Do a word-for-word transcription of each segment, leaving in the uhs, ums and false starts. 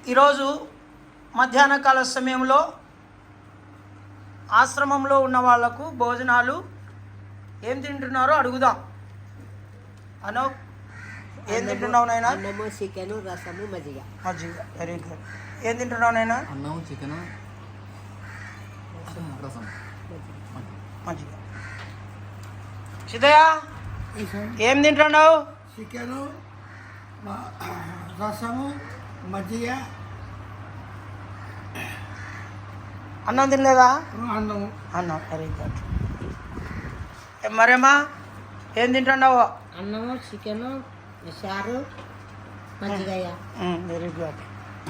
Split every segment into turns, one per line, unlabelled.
ఈరోజు మధ్యాహ్న కాల సమయంలో ఆశ్రమంలో ఉన్న వాళ్లకు భోజనాలు ఏం తింటున్నారో అడుగుదాం. అనో ఏం తింటున్నావు నాయనా?
అన్నము, చికెను, రసము, మజ్జిగ.
మజ్జిగ, వెరీ గుడ్. ఏం తింటున్నావు నాయనా?
అన్నము, చికెను, రసం,
మజ్జిగ. సిద్ధయ్య ఏం తింటున్నావు?
చికెను, రసము, మజ్జిగ.
అన్నం తినలేదా?
అన్నము.
అన్నం, వెరీ గుడ్. మరేమ్మా ఏం తింటున్నావు?
అన్నము, చికెను, చారు, మజ్జిగ.
Very good.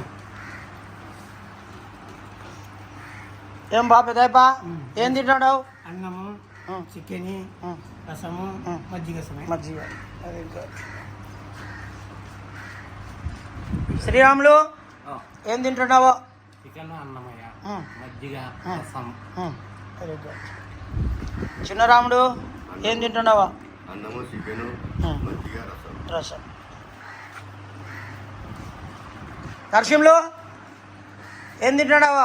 ఏం బా పెద్దప్ప ఏం తింటున్నావు?
అన్నము, చికెన్, రసము, మజ్జిగ.
మజ్జిగ, వెరీ గుడ్. శ్రీరాములు ఏం తింటున్నావు?
చికెన్, అన్నమయ్య, మజ్జిగ, రసం.
Very good. చిన్నరాముడు ఏం తింటున్నావా?
అన్నము, చికెను, మజ్జిగ, రసం.
రసం. నరసింహులు ఏం తింటున్నావా?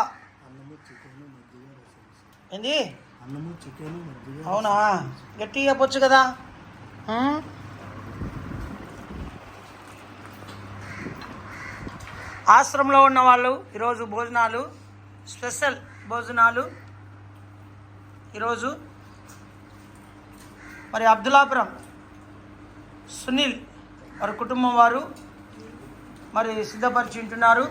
ఏంది?
అన్నము, చికెన్, మజ్జిగ.
అవునా? గట్టిగా చెప్పొచ్చు కదా. ఉం? ఆశ్రమంలో ఉన్న వాళ్ళు ఈరోజు భోజనాలు, స్పెషల్ భోజనాలు ఈరోజు మరి అబ్దుల్లాపురం సునీల్ వారి కుటుంబం వారు మరి సిద్ధపరిచి ఉంటున్నారు.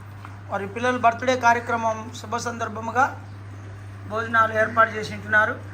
వారి పిల్లల బర్త్డే కార్యక్రమం శుభ సందర్భముగా భోజనాలు ఏర్పాటు చేసి ఉంటున్నారు.